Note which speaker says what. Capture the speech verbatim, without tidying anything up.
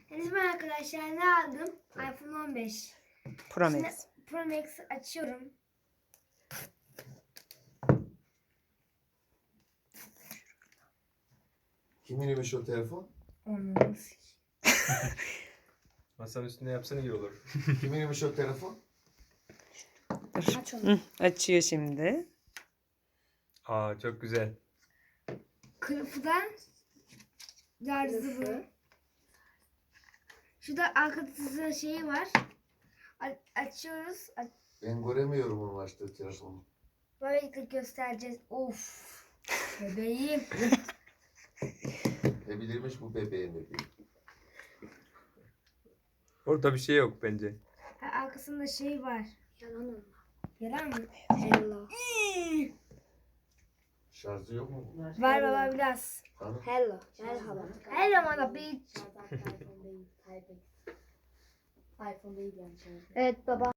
Speaker 1: Henüz ben arkadaşlar ne aldım? iPhone on beş.
Speaker 2: Pro
Speaker 1: Şimdi
Speaker 2: Max.
Speaker 1: Pro Max açıyorum.
Speaker 3: Kiminmiş o telefon?
Speaker 1: Onu
Speaker 4: Masanın üstünde yapsana iyi olur.
Speaker 3: Kiminmiş o telefon?
Speaker 2: Dur.
Speaker 1: aç onu.
Speaker 2: Hı, açıyor şimdi.
Speaker 4: Aa çok güzel.
Speaker 1: Kılıfıdan yarzı bu. Şurada arkada şeyi var. A- açıyoruz. A-
Speaker 3: Ben göremiyorum onun açtığı telefonu.
Speaker 1: Böylelikle göstereceğiz. Of. Bebeğim.
Speaker 3: Ne bilirmiş bu bebeğin bebeği.
Speaker 4: Orada bir şey yok bence.
Speaker 1: Ha, arkasında şey var.
Speaker 5: Yalan olma.
Speaker 1: Yalan mı?
Speaker 5: Hello.
Speaker 3: Şarjı yok mu?
Speaker 1: Var baba biraz.
Speaker 3: Hani?
Speaker 5: Hello. Merhaba.
Speaker 1: Hello mother bitch.
Speaker 5: iPhone değil. iPhone değil yani.
Speaker 1: Evet baba.